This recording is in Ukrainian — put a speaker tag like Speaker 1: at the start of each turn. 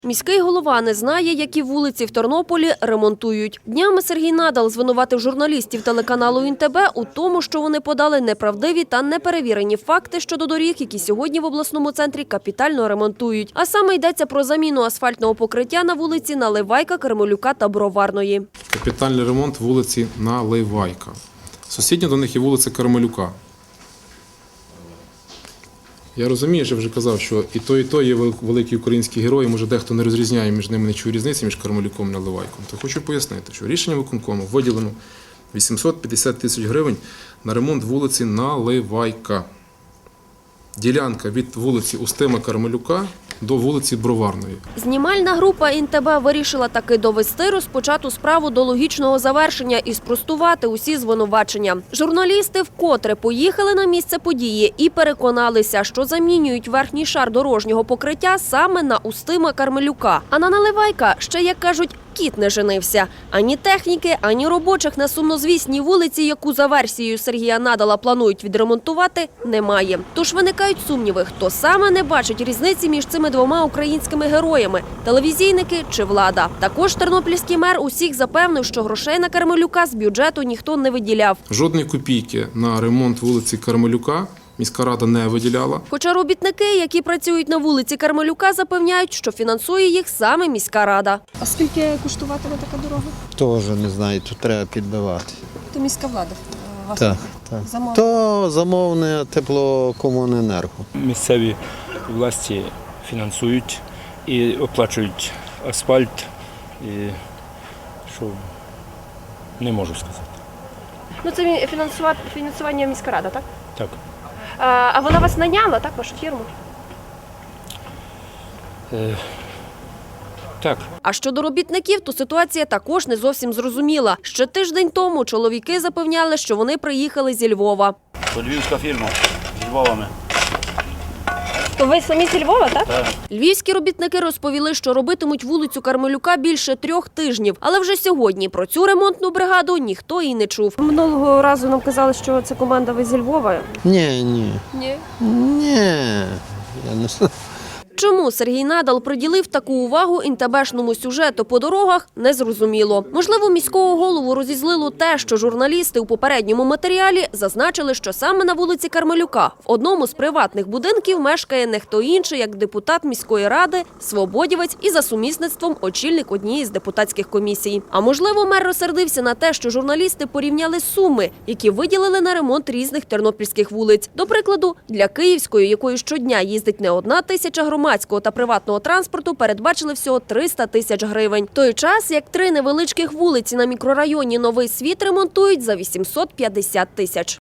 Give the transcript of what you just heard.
Speaker 1: Міський голова не знає, які вулиці в Тернополі ремонтують. Днями Сергій Надал звинуватив журналістів телеканалу ІНТБ у тому, що вони подали неправдиві та неперевірені факти щодо доріг, які сьогодні в обласному центрі капітально ремонтують. А саме йдеться про заміну асфальтного покриття на вулиці Наливайка, Кармелюка та Броварної.
Speaker 2: Капітальний ремонт вулиці Наливайка. Сусідня до них є вулиця Кармелюка. Я розумію, що вже казав, що і то є великі українські герої, може дехто не розрізняє між ними нічого різниці, між Кармелюком і Наливайком. То хочу пояснити, що рішенням виконкому виділено 850 тисяч гривень на ремонт вулиці Наливайка. Ділянка від вулиці Устима Кармелюка до вулиці Броварної.
Speaker 1: Знімальна група ІНТБ вирішила таки довести розпочату справу до логічного завершення і спростувати усі звинувачення. Журналісти вкотре поїхали на місце події і переконалися, що замінюють верхній шар дорожнього покриття саме на Устима Кармелюка. А на Наливайка ще, як кажуть, кіт не женився. Ані техніки, ані робочих на сумнозвісній вулиці, яку за версією Сергія Надала планують відремонтувати, немає. Тож виникають сумніви, хто саме не бачить різниці між цими двома українськими героями – телевізійники чи влада. Також тернопільський мер усіх запевнив, що грошей на Кармелюка з бюджету ніхто не виділяв.
Speaker 2: Жодної копійки на ремонт вулиці Кармелюка міська рада не виділяла.
Speaker 1: Хоча робітники, які працюють на вулиці Кармелюка, запевняють, що фінансує їх саме міська рада.
Speaker 3: А скільки коштуватиме така дорога?
Speaker 4: Теж не знаю, тут треба підбивати.
Speaker 3: То міська влада.
Speaker 4: Так. То замовне теплокомуненерго.
Speaker 5: Місцеві власті фінансують і оплачують асфальт, і що не можу сказати.
Speaker 1: Ну це фінансування міська рада, так?
Speaker 5: Так.
Speaker 1: А вона вас наняла, так, вашу фірму?
Speaker 5: Так.
Speaker 1: А щодо робітників, то ситуація також не зовсім зрозуміла. Ще тиждень тому чоловіки запевняли, що вони приїхали зі Львова.
Speaker 6: То львівська фірма з Львовами.
Speaker 1: То ви самі зі Львова, так?
Speaker 6: Так.
Speaker 1: Львівські робітники розповіли, що робитимуть вулицю Кармелюка більше 3 тижнів. Але вже сьогодні про цю ремонтну бригаду ніхто і не чув. Минулого разу нам казали, що це команда ви зі Львова.
Speaker 4: Ні.
Speaker 1: Ні.
Speaker 4: Я не знаю.
Speaker 1: Чому Сергій Надал приділив таку увагу інтебешному сюжету по дорогах, незрозуміло. Можливо, міського голову розізлило те, що журналісти у попередньому матеріалі зазначили, що саме на вулиці Кармелюка в одному з приватних будинків мешкає не хто інший, як депутат міської ради, свободівець і за сумісництвом очільник однієї з депутатських комісій. А можливо, мер розсердився на те, що журналісти порівняли суми, які виділили на ремонт різних тернопільських вулиць. До прикладу, для Київської, якою щодня їздить не 1 тисяча громадського та приватного транспорту, передбачили всього 300 тисяч гривень. В той час, як 3 невеличких вулиці на мікрорайоні Новий Світ ремонтують за 850 тисяч.